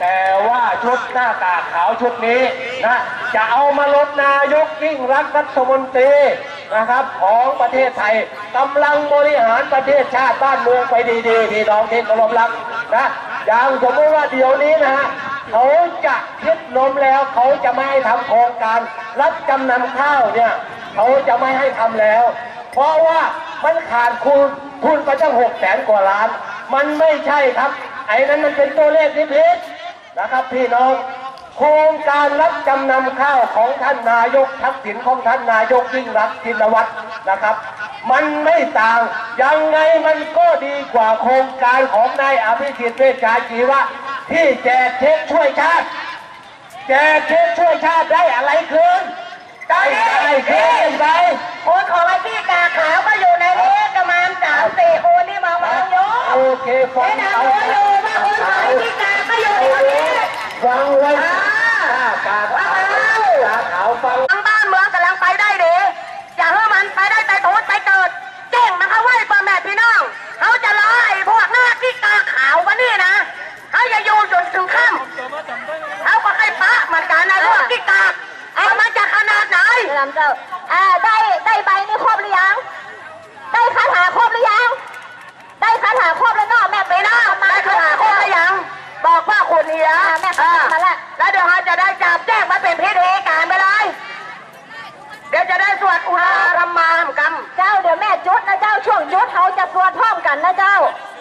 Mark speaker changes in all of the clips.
Speaker 1: แต่ว่าชุดหน้ากากขาวชุดนี้นะจะเอามาลดนายกยิ่งรักษณ์รัฐมนตรีนะครับของประเทศไทยกำลังบริหารประเทศชาติบ้านเมืองไปดีๆพี่น้องที่เคารพรักนะอย่างสมมติว่าเดี๋ยวนี้นะฮะเขาจะยึดลมแล้วเขาจะไม่ให้ทำโครงการรับจำนำข้าวเนี่ยเขาจะไม่ให้ทำแล้ว เพราะว่ามันขาดทุนไปตั้ง600,000 กว่าล้านมันไม่ใช่ครับไอ้นั้นมันเป็นตัวเลขที่ผิดนะครับพี่น้องโครงการรับจำนำข้าวของท่านนายกทักษิณของท่านนายกยิ่งรักษณ์ชินวัตรนะครับมันไม่ต่างยังไงมันก็ดีกว่าโครงการของนายอภิสิทธิ์เวชชาชีวะที่แจกเช็คช่วยชาติแจกเช็คช่วยชาติได้อะไรคืนได้อะไรคืนไป
Speaker 2: คนของไอ้ที่กาขาวก็อยู่ในนี้ประมาณ3-4 คนที่มาโย
Speaker 1: โอเคฟังเอา
Speaker 2: อยู่ว่าคนของไอ้ที่กาก็อยู่ในนี้
Speaker 1: ฟังไว้กาขาวฟัง
Speaker 2: ทั้งบ้านเมืองกำลังไปได้ดีอย่าให้มันไปได้แต่โถไปเกิดเก่งนะคะไว้พ่อแม่พี่น้องเขาจะรอไอ้พวกหน้าที่กาขาวกันนี่นะเขาจะอยู่จนถึงค่ำเขาก็ให้ปะเหมือนกันนะพวกที่กาเอามันจะขนาดไหนลำเจ้าได้ใบนี่ครบหรือยังได้คาถาครบหรือยังได้คาถาครบแล้วเนาะแม่ไปนะได้คาถาครบหรือยังบอกว่าคุณเฮียแม่มาแล้วเดี๋ยวเราจะได้จับแจ้งมาเป็นพิธีการไปเลยเดี๋ยวจะได้สวดอุราธรรมากรรมเจ้าเดี๋ยวแม่จุดนะเจ้าช่วงจุดเขาจะสวดพร้อมกันนะเจ้า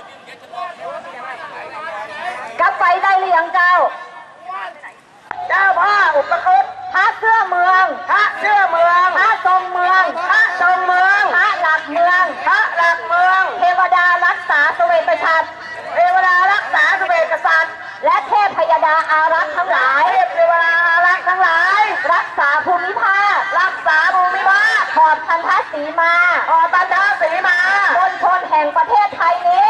Speaker 2: กับไฟได้หรือยังเจ้าเจ้าพ่ออุปคุตพระเสื้อเมืองพระเสื้อเมืองพระทรงเมืองพระทรงเมืองพระหลักเมืองพระหลักเมืองเทวดารักษาสเวตชัดเทวดารักษาสเวตสัตว์และเทพพยดาอารักษ์ทั้งหลายเทวดาอารักษ์ทั้งหลายรักษาภูมิภาครักษาภูมิภาคขอบพันธสีมาขอบพันธสีมาบนชนแห่งประเทศไทยนี้